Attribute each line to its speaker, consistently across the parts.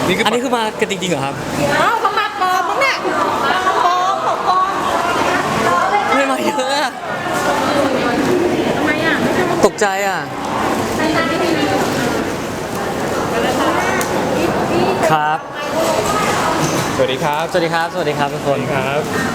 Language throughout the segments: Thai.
Speaker 1: อันนี้คือมากันจริงๆเหรอครับ
Speaker 2: อ้าวเขามาปลอมมั้งเนี่ยปลอมของปลอม
Speaker 1: ไม่มาเยอะอะ
Speaker 2: ทำไมอ่ะ
Speaker 1: ตกใจอ่ะครับ
Speaker 3: สวัสดีครับ
Speaker 1: สวัสดีครับสวัสดีครับทุกคน
Speaker 3: ครับ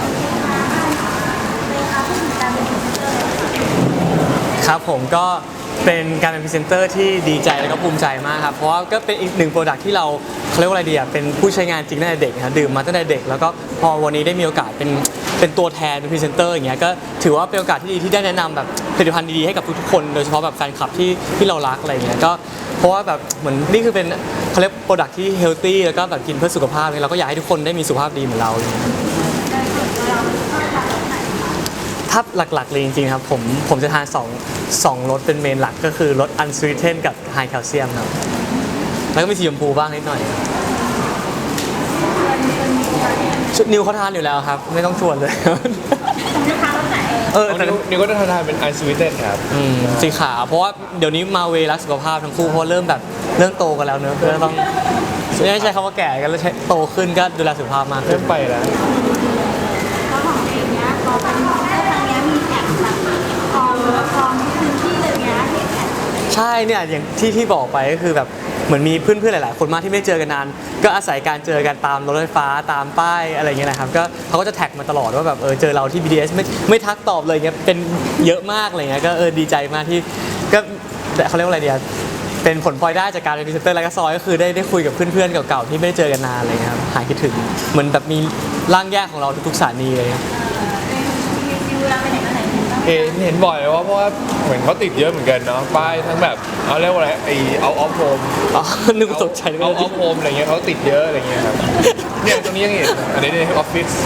Speaker 1: ครับผมก็เป็นการเป็นพรีเซนเตอร์ที่ดีใจแล้วก็ภูมิใจมากครับเพราะว่าก็เป็นอีกหนึ่งโปรดักที่เราเรียกว่าอะไรดีอ่ะเป็นผู้ใช้งานจริงตั้งแต่เด็กนะดื่มมาตั้งแต่เด็กแล้วก็พอวันนี้ได้มีโอกาสเป็นตัวแทนเป็นพรีเซนเตอร์อย่างเงี้ยก็ถือว่าเป็นโอกาสที่ดีที่ได้แนะนำแบบผลิตภัณฑ์ดีๆให้กับทุกๆคนโดยเฉพาะแบบแฟนคลับที่เรารักอะไรเงี้ยก็เพราะว่าแบบเหมือนนี่คือเป็นเขาเรียกโปรดักที่เฮลตี้แล้วก็แบบกินเพื่อสุขภาพเราก็อยากให้ทุกคนได้มีสุขภาพดีเหมือนเราถ้าหลักๆเลยจริงๆครับผมจะทาน2รสเป็นเมนหลักก็คือรสอันสวีเทนกับไฮแคลเซียมครับแล้วก็มีสีชมพูบ้างนิดหน่อยชุดนิวเขาทานอยู่แล้วครับไม่ต้องชวนเลยแต่
Speaker 3: นิวก็จะทานเป็นไอซ์สวีเทนครับ
Speaker 1: สีขาวเพราะว่าเดี๋ยวนี้มาเวรักสุขภาพทั้งคู่เพราะเริ่มโตกันแล้วเนอะก็ต้องไม่ใช่คำว่าแก่กันแล้วใช้โตขึ้นก็ดูแลสุขภาพมากขึ้
Speaker 3: เริ่
Speaker 1: น
Speaker 3: มไปแล้ว
Speaker 2: แล้วของเองเนี้ยพอเป็นครั้งนี้มีแอบแบบคลองพื้นที่เลยเนี้ยที่แอบ
Speaker 1: ใช่เนี่ยอย่างที่บอกไปก็คือแบบเหมือนมีเพื่อนๆหลายๆคนมากที่ไม่ได้เจอกันนานก็อาศัยการเจอกันตามรถไฟฟ้าตามป้ายอะไรเงี้ยนะครับก็เขาก็จะแท็กมาตลอดว่าแบบเจอเราที่ BTS ไม่ทักตอบเลยเงี้ยเป็นเยอะมากอะไรเงี้ยก็ดีใจมากที่ก็เขาเรียกว่าอะไรเดียเป็นผลพลอยได้จากการเป็นพรีเซนเตอร์ไลฟ์ซอยก็คือได้คุยกับเพื่อนๆเก่าๆที่ไม่ได้เจอกันนานอะไรเงี้ยครับหายคิดถึงเหมือนแบบมีร่างแยกของเราทุกๆสถานีเลย
Speaker 3: เห็นบ่อยเลยว่าเพราะว่าเหมือนเขาติดเยอะเหมือนกันเนาะป้ายทั้งแบบเอาเรียกว่าอะไรไอเอาออฟโฮม
Speaker 1: อ๋อนึกว่าตกใจเลย
Speaker 3: เอาออฟโฮมอะไรเงี้ยเขาติดเยอะอะไรเงี้ยครับเนี่ยตรงนี้ยังเห็นอันนี้ในออฟฟิศ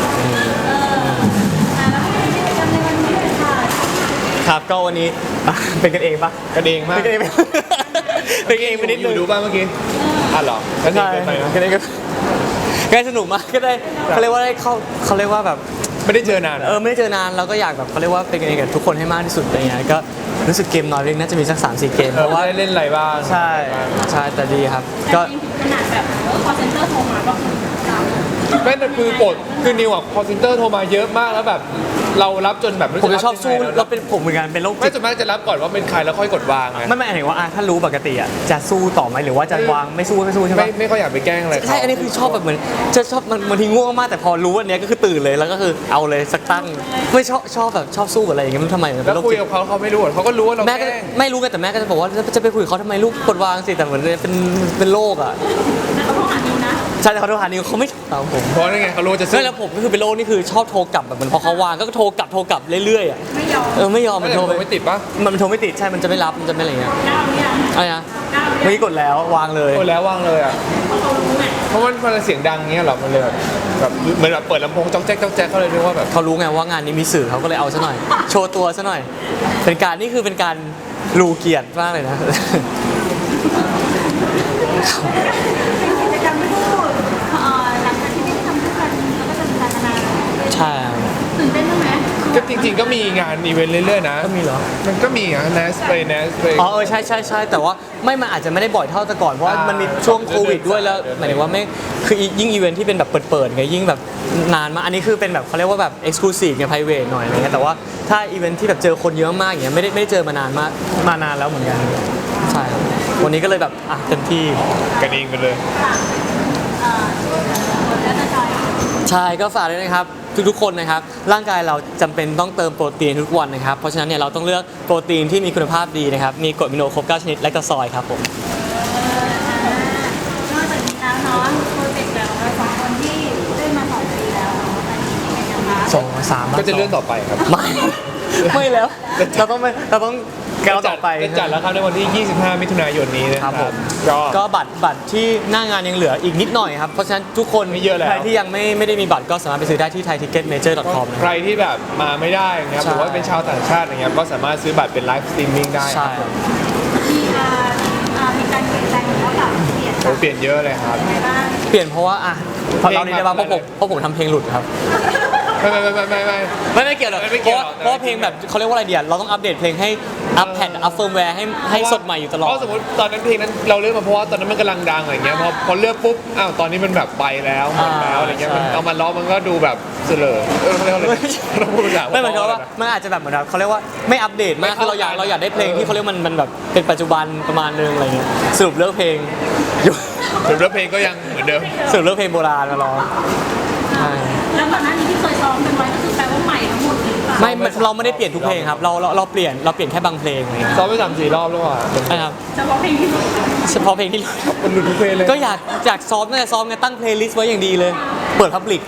Speaker 1: ครับก็วันนี้เป็นกันเองปะ
Speaker 3: กันเองมาก
Speaker 1: เป็นกันเองเป็นกันเองไปนิด
Speaker 3: อ
Speaker 1: นึ
Speaker 3: ยู่
Speaker 1: ง
Speaker 3: ดูบ้างเมื่อกี้อ่ะเหรอกันเอง
Speaker 1: ใช่
Speaker 3: เกินไปนะ
Speaker 1: กันเองก็สนุกมากก็ได้เขาเรียกว่าได้เขาเรียกว่าแบบ
Speaker 3: ไม่ได้เจอนาน
Speaker 1: ไม่ได้เจอนานเราก็อยากแบบเขาเรียกว่าเป็นกันเองกับทุกคนให้มากที่สุดอะไรเงี้ยก็รู้สึกเกมน้อยเองน่าจะมีสัก 3-4 เกมเพราะว่า
Speaker 3: ได้เล่นอะไรบ้าง
Speaker 1: ใช่แต่ดีครับก็
Speaker 2: ขนาดแบบคอเซ็นเตอร์โทรมาก็คือ
Speaker 3: ไม่แต่คือปดคือนิวอ่ะคอลเซ็นเตอร์โทรมาเยอะมากแล้วแบบเรารับจนแบบ
Speaker 1: ผมจะชอบสู้เราเป็นผมเหมือนกันเป็นโรค
Speaker 3: ไม่
Speaker 1: จิต
Speaker 3: ส่วนมากจะรับก่อนว่าเป็นใครแล้วค่อยกดวางไง
Speaker 1: ไม่หมายถึงว่าถ้ารู้ปกติอ่ะจะสู้ต่อไหมหรือว่าจะวางไม่สู้ใช่ไหม
Speaker 3: ไม่ค่อยอยากไปแกล้งอะไรเขา
Speaker 1: ใช่อันนี้คือชอบแบบเหมือนจะชอบบางทีง่วงมากแต่พอรู้อันเนี้ยก็คือตื่นเลยแล้วก็คือเอาเลยสักตั้งไม่ชอบแบบชอบสู้กับอะไรอย่างเงี้ยมันทำไม
Speaker 3: แล้วคุยกับเขาไม่รู้เขาก็รู้ว่าเรา
Speaker 1: แม่
Speaker 3: แก
Speaker 1: ก็
Speaker 3: ล้ง
Speaker 1: ไม่รู้กันแต่แม่ก็จะบอกว่าจะไปคุยกับเขาทำไมลูกกดวางสิแต่เหมือนเป็นโรคอ่ะ
Speaker 2: เขาโทรหานิวนะ
Speaker 1: ใช่แต่เขาโทรหานิวเขาไม่ตามผม
Speaker 3: เพราะนั่นไงเขารู้จะ
Speaker 1: ใช่แล้วผมก็คือเป็นโรคนี่คือชอบโทรกลับแบบเหมือนพอเขาวางก็โทรกลับเรื่อยๆอ่ะ
Speaker 2: ไม่ยอม
Speaker 1: ไม่ยอม
Speaker 3: ไม่
Speaker 1: มันโทรไป
Speaker 3: ไม่ติดปะ
Speaker 1: มันโทรไม่ติดใช่มันจะไม่รับมันจะไม่อะไรเงี้ย
Speaker 2: ก้าวเนี่ย
Speaker 1: อะไรนะเมื่อกี้กดแล้ววางเลย
Speaker 3: โอ้แล้ววางเลยอ่ะ
Speaker 2: เขารู้ไง
Speaker 3: เพราะมันเสียงดังเงี้ยหรอมันเลยแบบเหมือนแบบเปิดลำโพงจ้องแจ๊กเขาเลยนึกว่าแบบ
Speaker 1: เขารู้ไงว่างานนี้มีสื่อเขาก็เลยเอาซะหน่อย โชว์ตัวซะหน่อยเป็นการรูเกียรติมากเลยนะ
Speaker 2: กิจกรรมที่พูดหลังจากที่ได้ทำด้วยกันแล้วก็จะมีการพัฒนา
Speaker 1: ใช่ครับ
Speaker 2: ตื่นเต้นไหม
Speaker 3: ก็จริงๆก็มีงานอีเวนต์เรื่อยๆนะ
Speaker 1: ก็มีเหรอ
Speaker 3: มันก็มีอ่ะเนสไป
Speaker 1: อ๋อใช่แต่ว่ามันอาจจะไม่ได้บ่อยเท่าแต่ก่อนเพราะว่ามันมีช่วงโควิดด้วยแล้วหมายถึงว่าไม่คือยิ่งอีเวนท์ที่เป็นแบบเปิดไงยิ่งแบบนานมากอันนี้คือเป็นแบบเขาเรียกว่าแบบเอ็กซ์คลูซีฟไงไพรเวทหน่อยอะไรเงี้ยแต่ว่าถ้าอีเวนท์ที่แบบเจอคนเยอะมากอย่างเงี้ยไม่ได้เจอมานานแล้วเหมือนกันใช่ครับวันนี้ก็เลยแบบเต็มที่
Speaker 3: กันเองไปเลย
Speaker 2: แล้วจะจอย
Speaker 1: ใช่ก็ฝากด้วยนะครับทุกๆคนนะครับร่างกายเราจำเป็นต้องเติมโปรตีนทุกวันนะครับเพราะฉะนั้นเนี่ยเราต้องเลือกโปรตีนที่มีคุณภาพดีนะครับมีกรดอะมิโนครบ9ชนิดและก็ซอยครับผม
Speaker 2: นอกจากนี้แล้วเนาะโปรเจกต์แบบเราสองคนที่ได้มา2 ปีแล้วเนาะตอนนี้เป็นไงกันคะ
Speaker 1: 2-3
Speaker 3: ก็จะเลื่อนต่อไปครับ
Speaker 1: ไม่แล้วเราต้องก้าวต่อไป
Speaker 3: จะจัดแล้วครับในวันที่ 25 มิถุนายนนี้นะ
Speaker 1: ค
Speaker 3: ค
Speaker 1: รั
Speaker 3: รั
Speaker 1: บบ ผม
Speaker 3: ก็
Speaker 1: ก็บัตรที่หน้างานยังเหลืออีกนิดหน่อยครับเพราะฉะนั้นทุกคน
Speaker 3: ไม่เยอะแล้ว
Speaker 1: ใครที่ยังไม่ได้มีบัตรก็สามารถไปซื้อได้ที่ thaiticketmajor.com นะ
Speaker 3: ใครที่แบบมาไม่ได้นะครับ
Speaker 1: ใช่
Speaker 3: หรือว่าเป็นชาวต่างชาติอย่างเงี้ยก็สามารถซื้อบัตรเป็นไลฟ์สตรีมมิ่งได้
Speaker 1: ใช่
Speaker 2: มีการเปลี่ยนแปลงหรือว่าแบบเปลี่ยน
Speaker 3: โอ้เปลี่ยนเยอะเลยครับ
Speaker 2: ไปบ้าง
Speaker 1: เปลี่ยนเพราะว่าพอเรานี่ได้บ้างเพราะผมทำเพลงหลุดครับ
Speaker 3: ไม่
Speaker 1: ไม่เกี่ยวหรอก
Speaker 3: ไม่เกี่ยวหรอก
Speaker 1: เพราะว่าเพลงแบบเขาเรียกว่าอะไรเดียเราต้องอัปเดตเพลงให้อัพแพดอัพเฟิร์มแวร์ให้สดใหม่อยู่ตลอด
Speaker 3: เพราะสมมติตอนนั้นเพลงนั้นเราเลือกมาเพราะว่าตอนนั้นมันกำลังดังอะไรเงี้ยพอเลือกปุ๊บอ้าวตอนนี้มันแบบไปแล้วหมดแล้วอะไรเงี้ยมันเอามาล้อมันก็ดูแบบเสลอเขาเรียกว่าอะไรเราพูดอย่าง
Speaker 1: ไม่เหมือนกับว่ามันอาจจะแบบเหมือนแบบเขาเรียกว่าไม่อัปเดตมากคือเราอยากได้เพลงที่เขาเรียกมันแบบเป็นปัจจุบันประมาณนึงอะไรเงี้ยสรุปเลือกเพลงอยู่
Speaker 3: ถึงแล้วเพลงก็ยังเหมือนเดิม
Speaker 1: สรุปเลือกเพลงโบราณมาร้องใช่
Speaker 2: แล้วก่อนหน้านี้ที่เคยซ้อมกันไว้ก็คือแปลว่าใหม่ทั้งหมดเลยหรือเปล่า
Speaker 1: เราไม่ได้เปลี่ยนทุกเพลงครับเราเปลี่ยนแค่บางเพลงอะไรเงี้ย
Speaker 3: ซ้อมไป3-4 รอบแล้วอ่ะ
Speaker 1: นะครับ
Speaker 2: เฉพาะเพลงที่รู้
Speaker 1: เฉพาะเพลงที่
Speaker 3: มันหลุดทุกเพลงเลย
Speaker 1: ก็อยากซ้อมน่าจะซ้อมไงตั้งเพลย์ลิสต์ไว้อย่างดีเลย เปิดพับลิก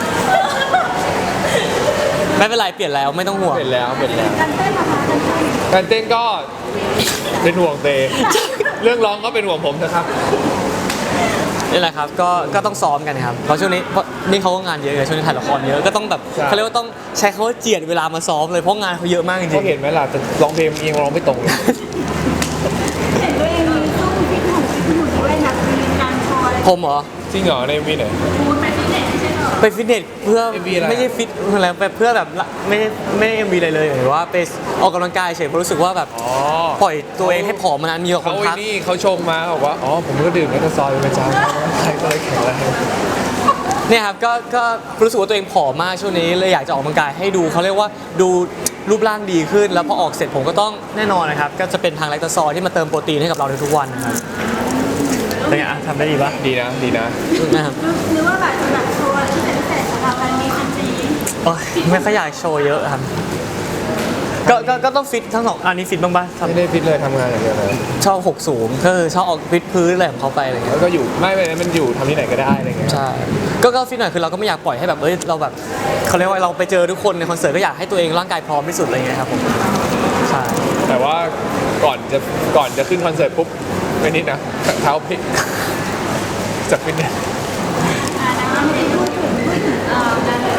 Speaker 1: ไม่เป็นไรเปลี่ยนแล้วไม่ต้องห่วง
Speaker 3: เป็นแล้ว
Speaker 2: การเต้นนะคะการเต้น
Speaker 3: การเต้นก็เป็นห่วงเตเรื่องร้องก็เป็นห่วงผมนะครับ
Speaker 1: นี่แหละครับก็ต้องซ้อมกันครับเพราะช่วงนี้เพราะนี่เขาก็งานเยอะไงช่วงนี้ถ่ายละครเยอะก็ต้องแบบ
Speaker 3: ใช่
Speaker 1: เขาเรียกว่าต้องใช้คำว่าเจียดเวลามาซ้อมเลยเพราะงานเขาเยอะมากจริ
Speaker 3: ก็
Speaker 1: ง
Speaker 3: เห็นไหมล่ะแต่ร้องเพลงยังร้องไม่ตรงเลย
Speaker 2: เห็นด้วยเองมีสู้ฟิตหุ่นด้วยนะมีการโชว์อะไร
Speaker 1: ๆผมเหรอ
Speaker 3: จริงเหรอในวีไหน
Speaker 2: คูณไปฟิตเนสไม่ใช่เหรอ
Speaker 1: ไปฟิตเนสเพื่อ
Speaker 3: MV อะไร
Speaker 1: ไม่ใช่ฟิตอะไรแบบเพื่อแบบไม่ได้ MV อะไรเลยหรือว่าไปออกกำลังกายเฉยเพราะรู้สึกว่าแบบ
Speaker 3: อ๋อ
Speaker 1: ปล่อยตัวเองให้ผอมมานานมีกับค
Speaker 3: เขา
Speaker 1: น
Speaker 3: ไอ้
Speaker 1: ทัก
Speaker 3: นี่เขาชงมาเขาบอกว่าอ๋อผมก็ดื่มแอลกอฮอล์เป็นประจำใครก็เลยแข็งแรง
Speaker 1: เนี่ยครับก็รู้สึกว่าตัวเองผอมมากช่วงนี้เลยอยากจะออกกำลังกายให้ดูเขาเรียกว่าดูรูปร่างดีขึ้น แล้วพอออกเสร็จผมก็ต้องแน่นอนนะครับก็จะเป็นทางแลคโตซอยที่มาเติมโปรตีนให้กับเราในทุกวันนะครับเป็นไงอ่ะทำได้ดีปะ
Speaker 3: ดีนะ
Speaker 1: นะครับ
Speaker 2: หรือว่าแบบโชว์อะไรที่เป็นพิเศษสำหรับวันนี้จริง
Speaker 1: โอ๊ยไม่ค่อยอยากโชว์เยอะครับก็ต้องฟิตทั้งสองอันนี้ฟิตบ้างปะ
Speaker 3: ไม่ได้ฟิตเลยทำงานอย่างเดียวเลย
Speaker 1: ชอบหกสูงก็คือชอบออกฟิตพื้นอะไรของเขาไปอะไรเงี้ย
Speaker 3: แล้วก็อยู่ไม่มันอยู่ทำที่ไหนก็ได้อะไรเงี้ย
Speaker 1: ใช่ก็ฟิตหน่อยคือเราก็ไม่อยากปล่อยให้แบบเราแบบเขาเรียกว่าเราไปเจอทุกคนในคอนเสิร์ตก็อยากให้ตัวเองร่างกายพร้อมที่สุดอะไรเงี้ยครับผมใช่
Speaker 3: แต่ว่าก่อนจะขึ้นคอนเสิร์ตปุ๊บไม่นิดนะเท้าพลิกจากฟิตเนส
Speaker 2: ๆนะคะไม่ได้พูดถึงงาน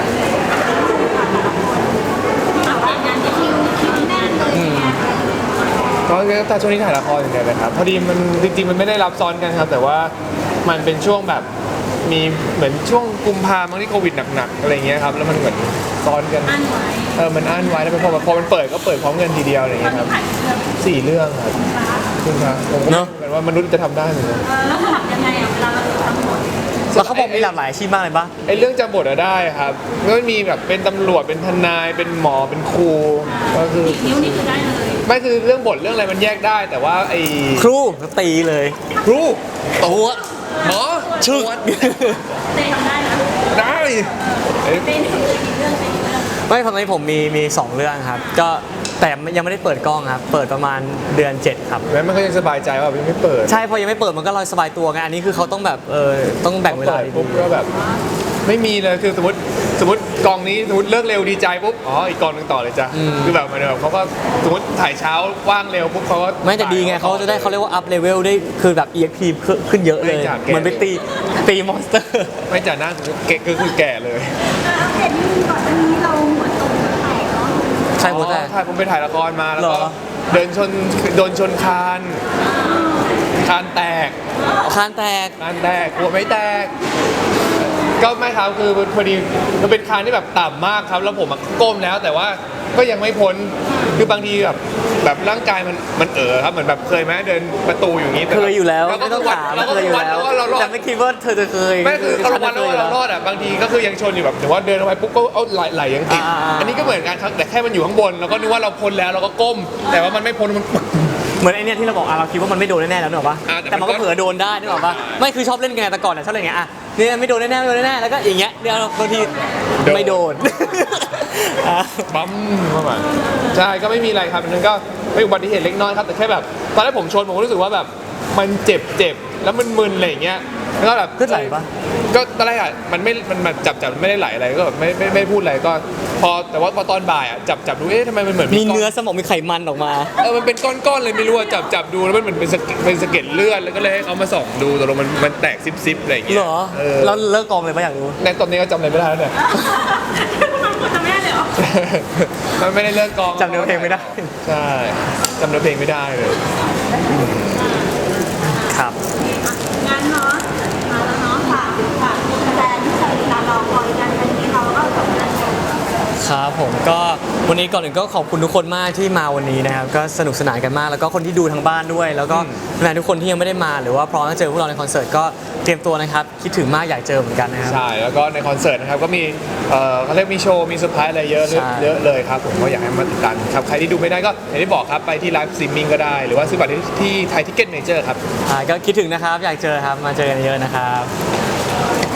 Speaker 2: แต่ว่างานที่คิวแน่นเลยเนี่ย
Speaker 3: ก็แต่ช่วงนี้ถ่ายละครอย่างเดียวเลยครับพอดีมันจริงๆมันไม่ได้รับซ้อนกันครับ แต่ว่ามันเป็นช่วงแบบมีเหมือนช่วงกุมภาพันธ์ที่โควิดหนักๆอะไรเงี้ยครับแล้วมันเหมือนซ้อนกัน
Speaker 2: อันไว้
Speaker 3: มันอั้นไว้แล้วพอมันเปิดก็เปิดพร้อมกันทีเดียวอะไร
Speaker 2: ตอน
Speaker 3: เงี้ยค
Speaker 2: นี้
Speaker 3: รับ
Speaker 2: ถ่ายเรื่อง
Speaker 3: 4 เรื่องครับคุณครับผมก็เหมือนว่ามนุษย์จะทำได้เหมือนกัน
Speaker 2: แล้วสลับยังไงอ่ะเวลาเราทำหมด
Speaker 1: แล้วเขาบอกมีหลากหลายอาชีพมากเลยปะ
Speaker 3: ไอ้เรื่องจำบทอะได้ครับก็มีแบบเป็นตำรวจเป็นทนายเป็นหมอเป็นครูก็คือ
Speaker 2: นิ้วนี่คือได้เลย
Speaker 3: ไม่คือเรื่องบทเรื่องอะไรมันแยกได้ แต่ว่าไอ้
Speaker 1: ครูตีเลย
Speaker 3: ครู
Speaker 1: ตัว
Speaker 3: หมอ
Speaker 1: ชึก
Speaker 2: เต้ทำได้นะ
Speaker 3: ได้เอ้ย
Speaker 2: เต้นี่คือกี่เรื่องเต้กี่เรื่อง
Speaker 1: ไม่ตอนนี้ผมมี2เรื่องครับก็แต่ยังไม่ได้เปิดกล้องครับเปิดประมาณเดือน 7 ครับ
Speaker 3: แม้มันก็ยังสบายใจว่ายังไม่เปิด
Speaker 1: ใช่พอยังไม่เปิดมันก็ลอยสบายตัวไงอันนี้คือเขาต้องแบบต้องแบ่งเวลา
Speaker 3: ปิด
Speaker 1: ดี
Speaker 3: ปุ๊บก็แบบไม่มีเลยคือสมมติกองนี้สมมติเลิกเร็วดีใจปุ๊บอ๋ออีกกองหนึงต่อเลยจ้ะคือแบบมันแบบเขาก็สมมติถ่ายเช้าว่างเร็วปุ๊บเขาก็
Speaker 1: ไม่แต่ดีไงเขาจะได้เขาเรียกว่าอัพเลเวลได้คือแบบ EXP ขึ้นเยอะเลย
Speaker 3: ไม่จากแก
Speaker 1: เหมือนไปตีมอนสเตอร์
Speaker 3: ไม่จ่าหน้าคือแก่เลย
Speaker 2: เห็นก่อนอันนี้เราหัวตรงแตกเนาะ
Speaker 1: ใช่หมดแต่
Speaker 3: ถ่ายผมไปถ่ายละครมาแล้ว
Speaker 1: เหร
Speaker 3: ก็
Speaker 1: อ
Speaker 3: โดนชนคานแตก
Speaker 1: คานแตก
Speaker 3: หัวไม่แตก ก็ไม่ครับคือพอดีมันเป็นคานที่แบบต่ำมากครับ แล้วผมอะก้มแล้วแต่ว่าก็ยังไม่พ้นคือบางทีแบบร่างกายมันครับเหมือนแบบเคยไหมเดินประตูอย่างนี้แต่
Speaker 1: เคยอยู่แล้ว
Speaker 3: ก็
Speaker 1: ไม่ต้องถาม
Speaker 3: เราก็
Speaker 1: เคยอยู่
Speaker 3: วัด
Speaker 1: แล้ว
Speaker 3: ว่าเรารอ
Speaker 1: แต่
Speaker 3: ด
Speaker 1: ไม่คิดว่าเธอจะเคย
Speaker 3: ไม่คือเราวัดแล้วว่าเรารอดอ่ะบางทีก็คือยังชนอยู่แบบแต่ว่าเดินออกไปปุ๊บก็เอาไหลยังติด
Speaker 1: อ่า
Speaker 3: อันนี้ก็เหมือนกันครับแต่แค่มันอยู่ข้างบนเราก็นึกว่าเราพ้นแล้วเราก็ก้ม แต่ว่ามันไม่พ้นมัน
Speaker 1: เหมือนไอเนี้ยที่เราบอกเราคิดว่ามันไม่โดนแน่ๆแล้วนึกออกปะ
Speaker 3: อ่าแต่
Speaker 1: แต่มันก็
Speaker 3: มันก็
Speaker 1: เผลอโดนได้นึกออกปะไม่คือชอบเล่นไงแต่ก่อนอะชอบเล่นไงอะเนี่ยไม่โดนแน่ๆไม่โดนแน่ๆแล้วก็อย่างเงี้ยเดี๋ยวบางทีไม่โดนอ่ะ
Speaker 3: ปั๊มเข้ามาใช่ก็ไม่มีอะไรครับนั่นก็เป็นอุบัติเหตุเล็กน้อยครับแต่แค่แบบตอนแรกผมชนผมก็รู้สึกว่าแบบมันเจ็บแล้วมันมึนอะไรอย่างเงี้ยแล้วก็แบบ
Speaker 1: เลือดไหลปะ
Speaker 3: ก็ตอนแรกอ่ะมันไม่จับไม่ได้ไหลอะไรก็แบบไม่พูดอะไรก็แต่ว่าพอตอนบ่ายอ่ะจับดูทำไมมันเหมือน
Speaker 1: มี
Speaker 3: ก้
Speaker 1: เนื้อสมองมีไขมันออกมา
Speaker 3: มันเป็นก้อนๆเลยไม่รู้อ่ะจับดูแล้วมันเหมือนเป็นสะเก็ดเลือดแล้วก็เลยให้เขามาส่องดูตกลงมันแตกซิบอะไรอย่างเงี้ย
Speaker 1: เหรอแล้วเลิกกองเลยปะอยากรู้
Speaker 3: ในตอนนี้ก็จำอะไรไม่ได้แล้วเนี่ย
Speaker 2: มันกดจะไม่ได้เลยเหรอ
Speaker 3: มันไม่ได้เลิกกอง
Speaker 1: จำเนื้อเพลงไม่ได้
Speaker 3: ใช่จำเนื้อเพลงไม่ได้เลย
Speaker 1: ครับ
Speaker 2: งานเนาะมาแล้วเนาะฝากแฟนที่เคยติดตามเราคอยกันวันนี้เราก็จบแล้ว
Speaker 1: คครับผมก็วันนี้ก่อนอื่นก็ขอบคุณทุกคนมากที่มาวันนี้นะครับก็สนุกสนานกันมากแล้วก็คนที่ดูทางบ้านด้วย แล้วก็แฟนทุกคนที่ยังไม่ได้มาหรือว่าพร้อมจะเจอพวกเราในคอนเสิร์ตก็เตรียมตัวนะครับคิดถึงมากอยากเจอเหมือนกันนะครับ
Speaker 3: ใช่แล้วก็ในคอนเสิร์ตนะครับก็มีเขาเรียกมีโชว์มีเซอร์ไพรส์อะไรเยอะ
Speaker 1: ใช่
Speaker 3: เยอะเลยครับผมก็อยากให้มาติดตามครับใครที่ดูไม่ได้ก็อย่างที่บอกครับไปที่ไลฟ์สตรีมมิ่งก็ได้หรือว่าซื้อบัตรที่ไทยทิกเก็ตเมเจอร์ครับ
Speaker 1: ก็คิดถึงนะครับอยากเจอครับมาเจอกันเยอะนะครับ